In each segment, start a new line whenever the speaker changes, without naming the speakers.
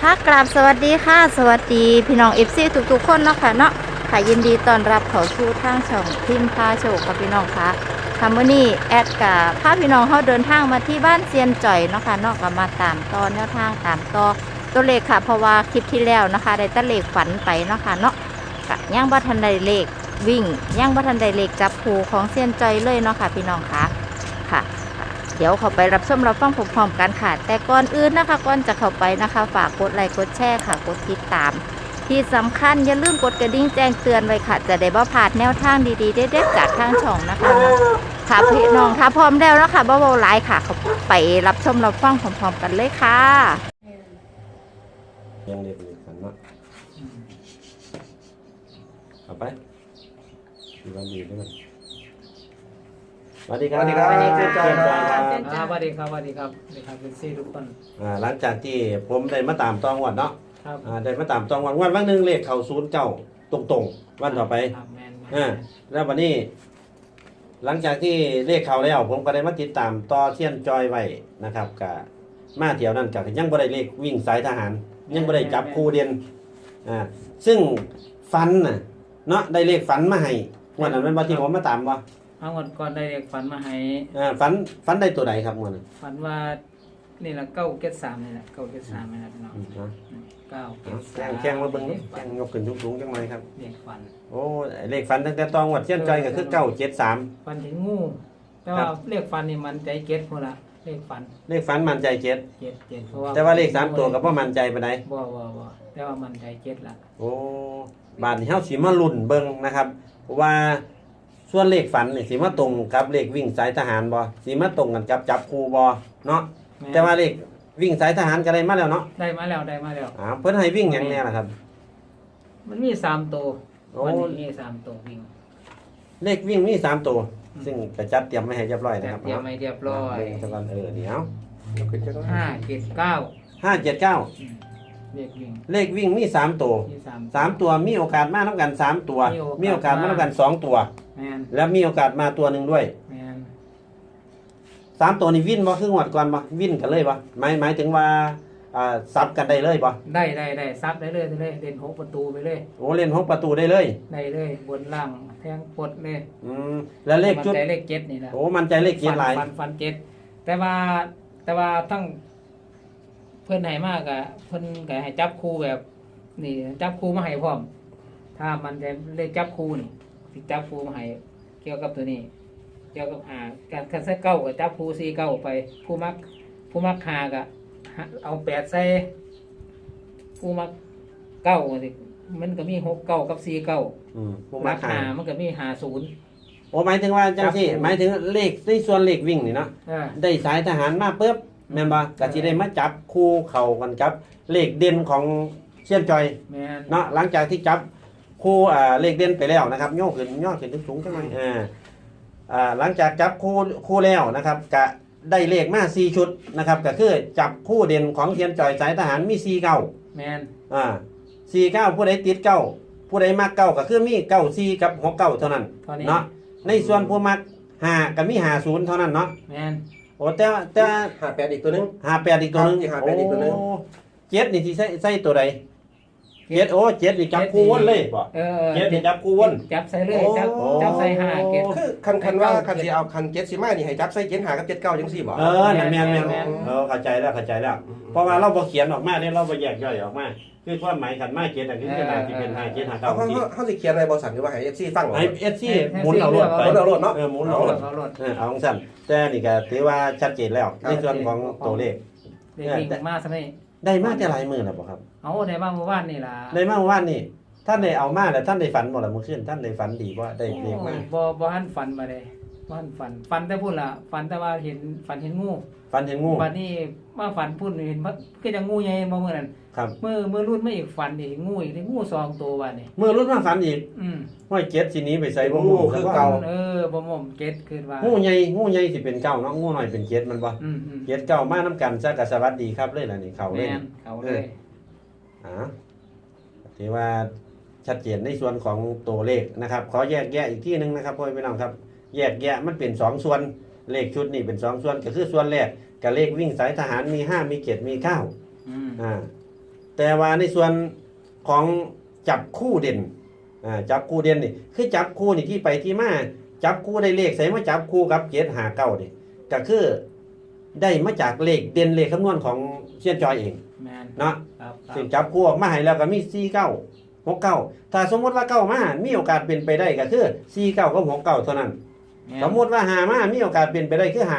ค่ะกราบสวัสดีค่ะสวัสดีพี่น้องFCทุกๆคนเนาะค่ะเนาะค่ะยินดีต้อนรับเข้าสู่ทางช่องพิมพ์พาโชคกับพี่น้องค่ะค่ะมื้อนี้แอดกับพาพี่น้องเฮาเดินทางมาที่บ้านเซียนจ่อยเนาะค่ะเนาะก็มาตามต่อแนวทางตามต่อตัวเลขค่ะเพราะว่าคลิปที่แล้วนะคะได้ตัวเลขฝันไปเนาะค่ะเนาะก็ยังบ่ทันได้เลขวิ่งยังบ่ทันได้เลขจับคู่ของเซียนจ่อยเลยเนาะค่ะพี่น้องค่ะค่ะเดี๋ยวเข้าไปรับชมรับฟังพร้อมๆกันค่ะแต่ก่อนอื่นนะคะก่อนจะเข้าไปนะคะฝากกดไลค์กดแชร์ค่ะกดติดตามที่สำคัญอย่าลืมกดกระดิ่งแจ้งเตือนไว้ค่ะจะได้บ่พลาดแนวทางดีๆเด็ดๆจากทางช่องนะคะค่ะพี่น้องค่ะพร้อมแล้วนะคะบ่เว้าหลายค่ะเข้าไปรับชมรับฟังพร้อมๆกันเลยค่ะ
ยังเด็กอยู่กันเนาะเอาไปดีวันดีด้วยกันสวัสดีครับ
สวัสดีครับ
เจ๊จอยครับ
สวัสดีครับสวัสดีครับสวัสดีครับเป็นซี่ทุกคน
หลังจากที่ผมได้มาตามตองวันเนาะ
ครับ
ได้มาตามตองวันหนึ่งเลขเข้า09ตรงๆวันต่อไป
ครับแมน
แล้ววันนี้ หลังจากที่เลขเข้าแล้วผมก็ได้มาติดตามต่อเทียนจอยไว้นะครับกับมาเที่ยวนั่นกับยังบ่ได้เลขวิ่งสายทหาร ยังบ่ได้จับคู่เด่นซึ่งฟันน่ะเนาะได้เลขฝันมาให้วันนั้นเป็นวันที่ผมมาตามบ่
เอาเงินก่อนได้เด็กฝันมาให้
ฝันได้ตัวใดครับวันนั้น
ฝันว่านี่แหละ973นี่แหละ973นี่แหละพี่น้อง973
แข้งมาเบิ่งนี่แข้งยกขึ้นสูงๆจังหน่อยครับ
เด็กฝัน
โอ้เลขฝันตั้งแต่ตองวัดเทียนจอยก็คือ973
ฝันเห็นงูแต่ว่าเลขฝันนี่มันใจเก็ตพุ่นละเลขฝัน
เลขฝันมั่นใจ7
เจ็ดเพราะว่า
แต่ว่าเลข3ตัวก็บ่มั่นใจปานใด
บ่แต่ว่ามันใจเก็ตละ
โอ้บาดนี้เฮาสิมาลุ้นเบิ่งนะครับว่าส่วนเลขฝันนี่สิมาตรงกับเลขวิ่งสายทหารบ่สิมาตรงกันกับจับคู่บ่เนาะแต่ว่าเลขวิ่งสายทหารก็ได้มาแล้วเนาะ
ได้มาแล้ว
เพิ่นให้วิ่งหยังแน่ล่ะครับ
มันมี3ตัว
โอ้
วันนี้มี3ตัววิ่ง
เลขวิ่งมี3ตัวซึ่งก็จัดเตรียมไว้ให้เรียบร้อยนะครับ
เตรียมไม่เรียบร้อย
เบิ่งซะก่อนเดี๋ยว
579
579
เด็กวิ่ง
เลขวิ่งมี3ตัว
ที่
3ตัวมีโอกาสมานํกัน3ตัวมีโอกาสมานํกัน2ตัว
แมน
แล้วมีโอกาสมาตัวหนึงด้วย
แมน
3ตัวนี้วินบ่คืองวดก่อนบ่วินกันเลยบ่หมายถึงว่าซับกันได้เลยบ่
ได้ซับได้เลยเล่น6ประตูไปเลย
โอ้เล่น6ประตูได้เลย
ได้เลยบนล่างแทงปลดเลย
แล้วเลขชุด
มันใจเลขเจ็ดนี่แหละ
โอ้มันใจเลขเกียร์หลาย
ฟันเจ็ดแต่ว่าทั้งเพื่อนให้มากอะเพื่อนก็ให้จับคู่แบบนี่จับคู่มาให้พร้อม ถ้ามันจะเลขจับคู่นี่สิจับคู่มาให้เกี่ยวกับตัวนี้ เกี่ยวกับการคันเซ็ตเก้ากับจับคู่49ไปผู้มักหากะเอา8ใส่ผู้มักเก้าสิมันก็มี69กับ49
ผู้
มั
มาก
หา
หา
มันก็มี50
โอ้หมายถึงว่าจังซี่หมายถึงเลขในส่วนเลขวิ่งนี่เนาะ
อ่า
ได้สายทหารมาปุ๊บแม่นบ่ก็สิได้มาจับคู่เข้ากันกับเลขเด่นของเชียนจอย
แม่น
เนาะหลังจากที่จับคู่เลขเด่นไปแล้วนะครับย่อขึ้นสูงจังหน่อยหลังจากจับคู่แล้วนะครับก็ได้เลขมา4ชุดนะครับก็คือจับคู่เด่นของเชียนจอยสายทหารมี4 9
แม่น
49ผู้ใดติด9ผู้ใดมัก9ก็คือมี94กับ69เท่านั้น
เท่านี้
เนาะในส่วนผู้มัก5ก็มี50เท่านั้นเนาะ
แม่น
โอ้แต่
58อีกตัวหนึง
58อีกตัวหนึง
ครับ58อีกตัวหนึ่ง
เจ็ดนี่สิใส่ตัวใดเจ็ดเจ็ดนี่จับคู่วนเลยบ่ เจ็ดนี่จับคู่วน
จับใส่เลย
โอ้
จับใส่5เก็บ
คือคันว่าคันสิเอาคัน7สิมานี่ให้จับใส่7 5กับ7 9จังซี่บ่
นั่นแม่น
แม่น
เข้าใจแล้วเพราะว่าเราบ่เขียนออกมาเนี่ยเราบ่แยกย่อยออกมาคือความหมายขันมาเจ็ดอันนี้คือที่เป็น5 7 5
เอา
9
เฮาสิเขียนอะไรบ่สั่นหรือว่าให้ FC ฟังเหรอ
ให้ FC หมุนเอารถไป
เอารถเนาะ
หมุนเอารถ
เอารถ
เอาของสั่นแต่นี่ก็ถือว่าชัดเจนแล้วในส่วนของตัวเลข
เด็กวิ่งมาซะนี่
ได้มาแต่หลายมื้อแล้วบ่ครับ
เอาได้มาเมื่อวานนี่ล่ะ
ได้มาเมื่อวานนี่ท่านได้เอามาแล้วท่านได้ฝันบ่ล่ะเมื่อคืนท่านได้ฝันดีบ่ได้เลขมา
บ่ทันฝันมาเลยบ่ทันฝันแต่พูดล่ะฝันแต่ว่าเห็นงู
ฝันเห็นงู
บัดนี้มาฝันพูดเห็นมันก็จะงูใหญ่บ่มื้อนั้น
ครับ
เมื่อรุ่นมาอีกฝันอีกงูอีกงู2ตัวบัดนี้
เมื่อรุ่นมาฝันอีก
อืม
ห้อยเจ็ดสิหนี้ไปใส่บ่งู
คือเก่า
บ่ม่อมเก็ตขึ้นว่า
งูใหญ่สิเป็นเก้าเนาะงูน้อยเป็นเจ็ดมันบ่
อืม
เจ็ดเก้ามานํกันซะก็สวัสดีครับเลยล่ะนี่เขาเลย
แม่นเขาเลย
ถือว่าชัดเจนในส่วนของตัวเลขนะครับขอแยกแยะอีกที่นึงนะครับพ่อพี่น้องครับแยกแยะมันเป็น2ส่วนเลขชุดนี่เป็น2ส่วนก็คือส่วนแรกกับเลขวิ่งสายทหารมี5มี7มี9
อืม
แต่แต่ว่าในส่วนของจับคู่เด่นจับคู่เด่นนี่คือจับคู่นี่ที่ไปที่มาจับคู่ได้เลขใส่มาจับคู่กับ759นี่ก็คือได้มาจากเลขเด่นเลขคำนวณของเซียนจอยเอง
แม่น
เนาะ
ครับครั
ซึ่ง
บ
จับคู่ออกมาให้แล้วก็มี49 69ถ้าสมมติว่า9มามีโอกาสเป็นไปได้ก็คือ49กับ69เท่านั้น
แม่น
สมมติว่า5มามีโอกาสเป็นไปได้คือ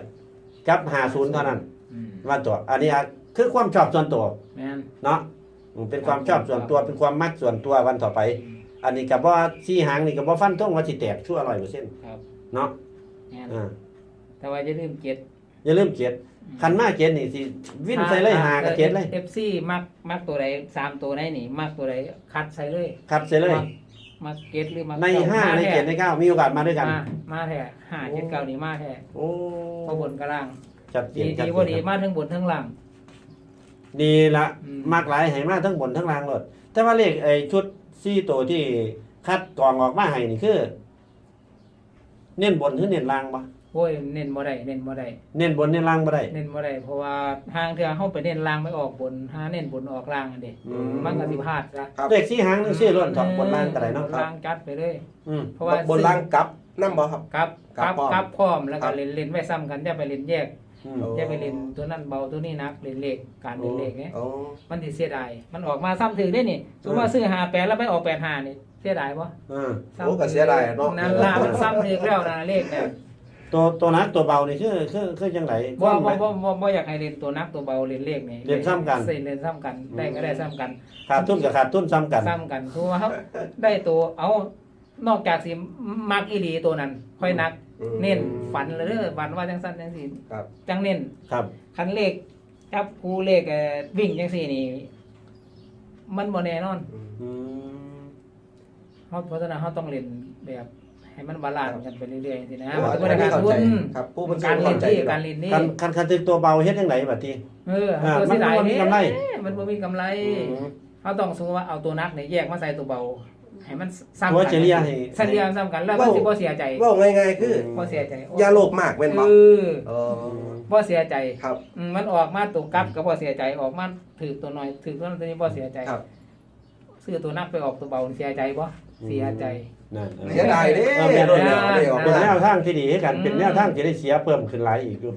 58กับ50เท่านั้น
อืม
ว่าตัวอันนี้คือความชอบส่วนตัว
แม่น
เนาะเป็นความชอบส่วนตัวเป็นความมักส่วนตัววันต่อไป อันนี้กับว่าซี่หางนี่กับว่าฟันท่งว่าสิแตกชั่ว100%
ครับ
เนาะ
แม่น
อ่า
แต่ว่าอย่าลืมเก็ด
อย่าลืมเกียรติคันมาเกียรตินี่สิวิ่นใส่เลยหากับเกียรติเลย
FC มักตัวใด3ตัวไหนนี่มักตัวใดคัดใส่เลย
คัดใส่เลย
มักเก็ดหรือมัก
ใน5ในเกียรติใน9มีโอกาสมาด้วยกัน
มาแท้5 7 9นี่มาแท้
โอ้
เพราะบนกับล่าง
ชัดเจ
ดี
นชัด
ดี
เจ
บ่ดี
น
มาทั้งบนทั้งล่าง
นี่ละ
อืม
มากหลายให้มาทั้งบนทั้งล่างเลยแต่ว่าเลขไอ้ชุด4ตัวที่คัดกรองออกมาให้นี่คือ เน้นบนหรือเน้นล่างบ่
โอ้ยเน้นบ่ได้เน้นบ่ได้
เน้นบนเน้นล่างบ่ได้
เน้นบ่ได้เพราะว่าทางเทื่อเฮาไปเน้นล่างไม่ออกบนหาเน้นบนออกล่างอันเด้
อืม
มันก็สิพลาดซะ
ครับ
เลขสี่หางนึงชื่อล้วนถอดบนล่างก็ได้เนาะ
บล่างจัดไปเลย
อืม
เพราะว่า
บนล่างกลับน้ำบ่ครับ
กับ
กลับพร้อม
กับพร้อมแล้ว
ครั
ก็
บ
เล่นไว้ซ้ำกันอย่าไปเล่นแยก
อืม
โอ้
อย่าไปเล่นตัวนั้นเบาตัวนี้หนักเล่นเลขการเล่นเลขเนี่ย
อ๋อ
มันสิเสียดายมันออกมาซ้ำถึงได้นี่สมมติว่าซื้อ58แล้วไปออก85นี่เสียดายบ่
อ่า
โอ้ก็เสียดายเนาะ
นั่นล่ะมันซ้ำถึงแล้วนะเลขเนี่ย
ตัวนักตัวเบานี่คือจังได
บ่อยากให้เล่นตัวนักตัวเบาเล่นเลขนี่
เล่นซ้ำกัน
เล่นซ้ำกันได้ก็ได้ซ้ำกัน
ขาดทุนกับขาดทุนซ้ำกัน
ซ้ำกันคือว่าเขาได้ตัวเอานอกจากสิมักอีหลีตัวนั้น ค่อยนัก
อืม
เน้นฝันเลยเด้อฝันว่าจังซั่นจังซี่
ครับ
จังเน้น
ครับ
คันเลขจับคู่เลขวิ่งจังซี่นี่ มันบ่แน่นอน
อืม
เพราะฉะนั้นเฮาต้องเล่นแบบให้มันบาลานซ์กันไปเรื่อยๆจังซี่นะ
โอ้
มัน
อั
จะ
น
บ่ได้
นี้
การ
เข้า
ทุ
ใจ
น
ครับผู้บัญชา
การเล่
เข้าน ใจ
ที่
อยู่
การเล่นนี่
คันถึกตัวเบาเฮ็ดจังไดบัดนี้
ตัวสิได้
มันบ่มีกำไร
มันบ่มีกำไร เขาต้องสมมติว่าเอาตัวนักเนี่ยแยกมาใส่ตัวเบา ให้มันซ้ำ
ตัว
กัน
เฉลี่ยให้
เฉลี่ยซ้ำกันแล้วมันสิบ่เสียใจ
ว่าง่ายๆคือ
บ่เสียใจ
อย่าโลภมากแม่นบ่
คือ
เออ
บ่เสียใจ
ครับ
มันออกมาตัวกลับก็บ่เสียใจออกมาถือตัวน้อยถือตัวนั้นตัวนี้บ่เสียใจ
ครับ
ซื้อตัวนักไปออกตัวเบาเสียใจบ่เสียใจ
นั่น
เสียดายเด้
เออแม่น
โดนแล้วได้ออก
เป็น
มา
แนวทางที่ดีให้กันเป็นแนวทางที่ได้เสียเพิ่มขึ้นหลายอีกอยู่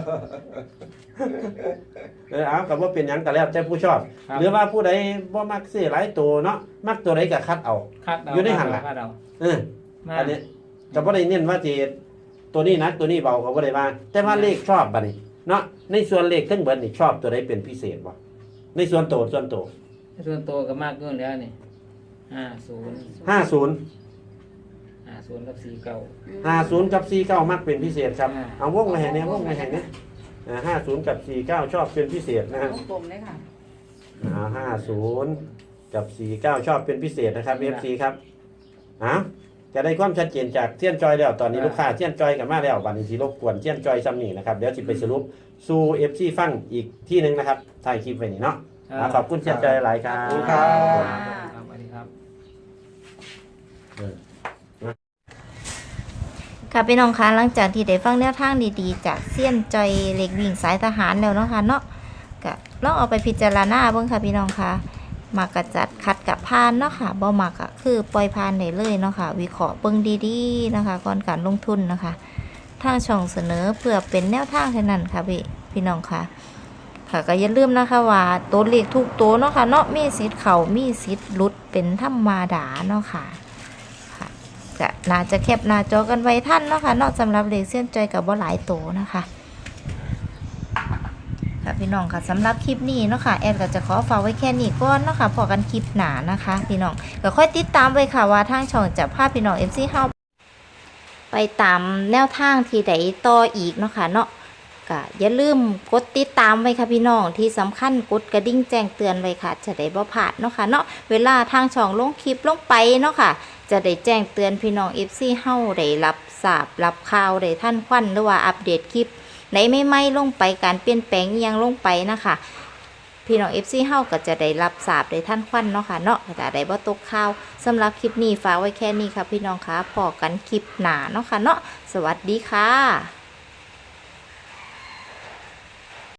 เอากับว่าเป็นหยังก็แล้วแต่ผู้ชอบ
ครับ
หรือว่าผู้ใดบ่มักซื้อหลายตัวเนาะมักตัวใดก็คัดเอา
คัดเอา
อยู่ในหันล่ะ
คัดเอา
เออ
มา
อันนี้ก็บ่ได้เน้นว่าสิตัวนี้หนักตัวนี้เบาก็บ่ได้ว่าแต่ว่าเลขชอบบัดนี้เนาะในส่วนเลขทั้งเบิดนี่ชอบตัวใดเป็นพิเศษบ่ในส่วนโตส่วนโต
ส่วนตัวก็มากเกินแล้วนี่50
50
50กับ49
50กับ49มักเป็นพิเศษครับ
อ่า
เอาวงไว้ให้แน่วงไว้ให้แน่50กับ49ชอบเป็นพิเศษนะฮะ
วงกลมเลยค่ะ
50กับ49ชอบเป็นพิเศษนะครับ FC ครับจะได้ความชัดเจนจากเทียนจอยแล้วตอนนี้ลูกค้าเทียนจอยกันมาแล้วบัดนี้สิรบกวนเทียนจอยซ้ำนี่นะครับเดี๋ยวสิไปสรุปสู่ FC ฟังอีกที่หนึงนะครับถ่ายคลิปไว้นี่เนาะขอบคุณเทียนจอยหลายครั
ขอบคุณ
บ
ครับ
ครับสวัสดีครับ
ค่ะพี่น้องคะหลังจากที่ได้ฟังแนวทางดีๆจากเซียนจอยเล็กวิ่งสายทหารแล้วเนาะค่ะเนาะก็ลองเอาไปพิจารณาเบิ่งค่ะพี่น้องคะมากระจัดคัดกับพานเนาะค่ะบ่มักก็คือปล่อยพานได้เลยเนาะค่ะวิเคราะห์เบิ่งดีๆนะคะก่อนการลงทุนนะคะทางช่องเสนอเพื่อเป็นแนวทางเท่านั้นค่ะพี่น้องคะค่ะก็อย่าลืมนะคะว่าตัวเลขทุกตัวเนาะค่ะเนาะมีสิทธิ์เข้ามีสิทธิ์หลุดเป็นธรรมดาเนาะค่ะ ก็น่าจะแคปหน้าจอกันไว้ท่านเนาะค่ะเนาะสำหรับเลขเส้นใจกับบ่หลายโตนะคะค่ะพี่น้องค่ะสำหรับคลิปนี้เนาะค่ะแอดก็จะขอฝากไว้แค่นี้ก่อนเนาะค่ะพอกันคลิปหน้านะคะพี่น้องก็ค่อยติดตามไว้ค่ะว่าทางช่องจะพาพี่น้อง FC เฮาไปตามแนวทางที่ใดต่ออีกเนาะค่ะเนาะก็อย่าลืมกดติดตามไว้ค่ะพี่น้องที่สำคัญกดกระดิ่งแจ้งเตือนไว้ค่ะจะได้บ่พลาดเนาะค่ะเนาะเวลาทางช่องลงคลิปลงไปเนาะค่ะจะได้แจ้งเตือนพี่น้อง FC เฮาได้รับทราบรับข่าวได้ทันควันหรือว่าอัปเดตคลิปไหนไม่ลงไปการเปลี่ยนแปลงอิหยังลงไปนะคะพี่น้อง FC เฮาก็จะได้รับทราบได้ทันควันเนาะค่ะเนาะแต่ได้บ่ตกข่าวสำหรับคลิปนี้ฝากไว้แค่นี้ค่ะพี่น้องค่ะพอกันคลิปหน้าเนาะค่ะเนาะสวัสดีค่ะ